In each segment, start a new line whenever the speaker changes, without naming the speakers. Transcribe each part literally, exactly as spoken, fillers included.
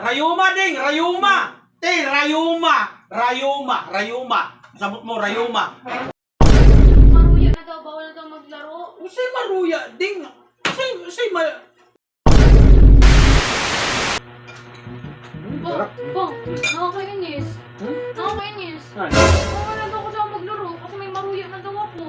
Rayuma ding, Rayuma. Te, Rayuma. Rayuma, Rayuma. Sabot mo, Rayuma.
Maruya na daw, bawal na daw maglaro.
Usay maruya ding. Usay, usay ma...
Bang, bang, nakakainis.
Hmm?
Nakakainis.
Ano?
Bawal na daw ako sa maglaro kasi may maruya na daw ako.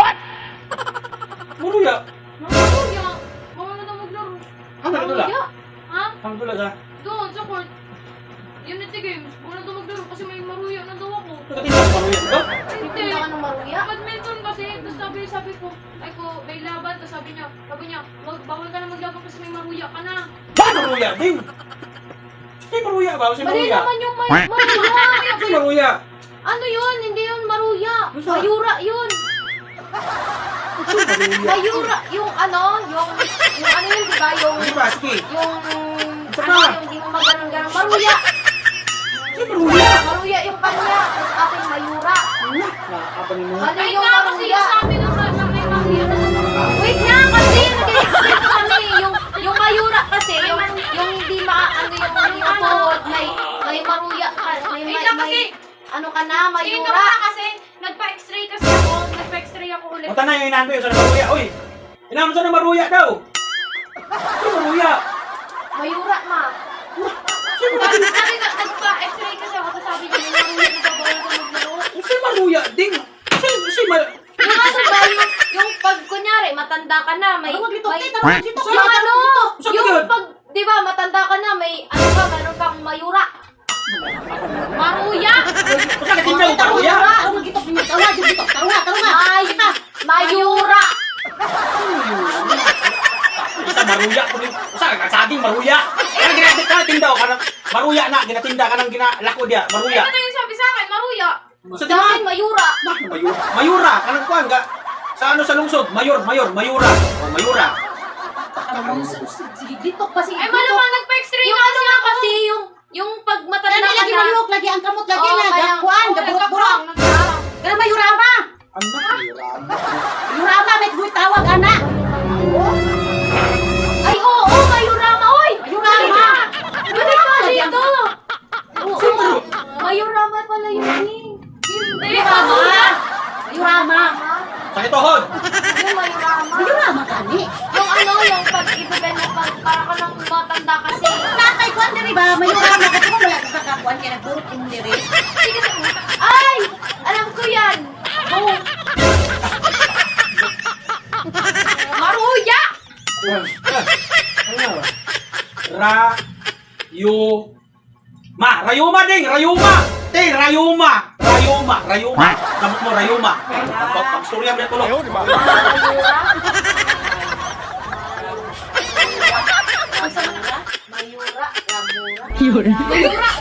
Maruya?
Maruya? Bawal na daw maglaro.
Ano na tula?
Maruya? Ha?
Ang tula ka?
Doon, sa court. Unity Games. Bawal na daw maglaro kasi may maruya na daw ako.
Nakatingin ang maruya ko?
Hindi.
Punta ka ng maruya?
Badminton kasi, tapos sabi, sabi ko, ay ko, may laban, tapos sabi niya, sabi niya, wag, bawal ka na maglaban kasi may maruya ka na.
Ba maruya ding? Usay maruya ba? Usay
Mali
maruya?
naman yung may maruya.
Usay maruya?
Ano yun? Hindi yun maruya.
Ano sa-
Mayura yun.
Usay maruya?
Mayura, yung ano, yung, yung ano yun, di ba? Yung,
Ano ba? Sige.
yung,
Saka.
ano, yung di mo maganon-ganon. Maruya!
Usay maruya?
Maruya yung kanya. Tapos ating mayura.
Nakakapan mo.
Ano
Ay
yung
nga, kasi
maruya?
yung sabi ng na may maruya na
Wait nga, kasi nag-explain kami. Yung, yung mayura kasi, yung, yung hindi ma, ano yung, yung tuhod, may, may maruya ka. May, may,
Wait lang
may,
kasi.
ano ka na,
Ito
mayura.
na kasi, nagpa-x-ray kasi ako. Nagpa-x-ray ako ulit.
Punta na yung inahan ko yung sa maruya. Uy! Inahan mo sa maruya daw! Usay maruya?
Mayura, ma.
Sabi na, nagpa-x-ray kasi ako. Tapos sabi niya, may maruya na daw, bawal ka maglaro.
Usay maruya ding? Usay, usay ma...
Yung ano ba, yung, yung pag, kunyari, matanda ka na, may,
Ano maglitok?
may,
Tita, maglitok.
yung ano,
Saan
yung
yun?
pag, di ba, matanda ka na, may, ano ka, meron kang mayura.
Maruya!
Usay ka tindaw, maruya?
Ano magitok niyo? Tawa, gitok, tawa, tawa. Ay, mayura.
Isa maruya ko rin. Usa ka saging maruya. Kaya ginatinda ka tindaw ka ng maruya na ginatinda ka ng ginalako dia, maruya.
Ito yung sabi sa akin, maruya.
Sa
Sa akin, mayura.
Bah, mayura. Mayura kanang kuan ga sa ano sa lungsod, mayor, mayor, mayura. O mayura.
Sige, gitok pa, sige,
Ay, malamang nagpa-x-ray
Yung
na
ano nga kasi, yung, yung pag matanda
Lagi,
ka
lagi
na.
mayuk, lagi ang kamot, lagi
Oo,
na,
kaya-
gakuan,
Oo,
gaburok-burok.
nagkakarang.
Kaya mayurama.
Ano mayura?
Mayurama, may guy tawag, anak.
Ay, oo, oo, mayurama, oy!
Mayurama.
Balik ka dito! Oo,
Sino?
mayurama pala yun eh.
Hindi,
Mayurama.
maruya.
Mayurama.
Sakit tuhod.
Yung mayurama.
Mayurama kani.
Yung ano, yung pag ibigay na pag para ka nang matanda kasi.
Tatay kuan diri ba? Mayurama kasi mo wala ka kakuan kaya nagburot mo diri.
Sige, sige. Ay! Alam ko yan! Oh,
Maruya!
Ano? Ra yu Ma, Rayuma ding, Rayuma. Te, Rayuma. Rayuma, Rayuma. Sabot mo Rayuma. Pag pagstorya mo tulo.
mayura. Mayura. Mayura. Mayura.
Mayura!